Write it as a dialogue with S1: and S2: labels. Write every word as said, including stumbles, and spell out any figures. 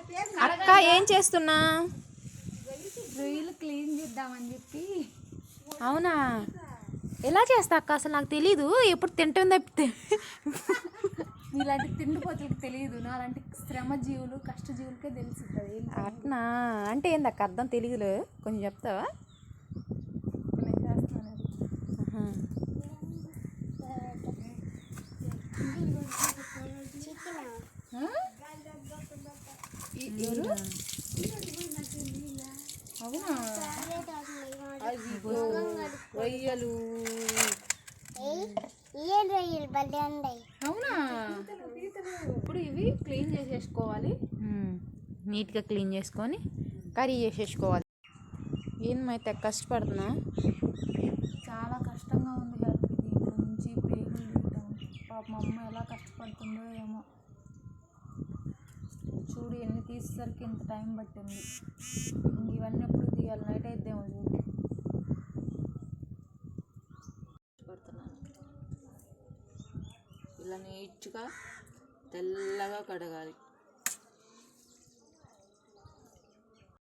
S1: అక్క ఏం చేస్తున్నా?
S2: రొయ్యలు క్లీన్ చేద్దామని చెప్పి.
S1: అవునా? ఎలా చేస్తా అక్క? అసలు నాకు తెలీదు. ఎప్పుడు తింటుంది తప్పితే.
S2: ఇలాంటి తిండిపోతులకు తెలియదు, అలాంటి శ్రమజీవులు కష్టజీవులకే తెలుస్తుంది.
S1: అట్నా అంటే ఏందక్క అర్థం తెలియదులే, కొంచెం చెప్తావా?
S2: నేను చేస్తాను. అవునా?
S1: రొయ్యలు
S2: అవునా? ఇప్పుడు ఇవి క్లీన్ చేసేసుకోవాలి.
S1: నీట్గా క్లీన్ చేసుకొని కర్రీ చేసేసుకోవాలి. ఏమైతే కష్టపడుతున్నా?
S2: చాలా కష్టంగా ఉంది హెల్ప్. దీంట్లో నుంచి పేగులు తీయటం, పాప మా అమ్మ ఎలా కష్టపడుతుందో ఏమో. చూడు ఎన్ని తీసేసరికి ఇంత టైం పట్టింది. ఇవన్నీ ఎప్పుడు తీయాలి? నైట్ అయిద్దేమో చూడు.
S3: ఇలా నీట్గా తెల్లగా కడగాలి.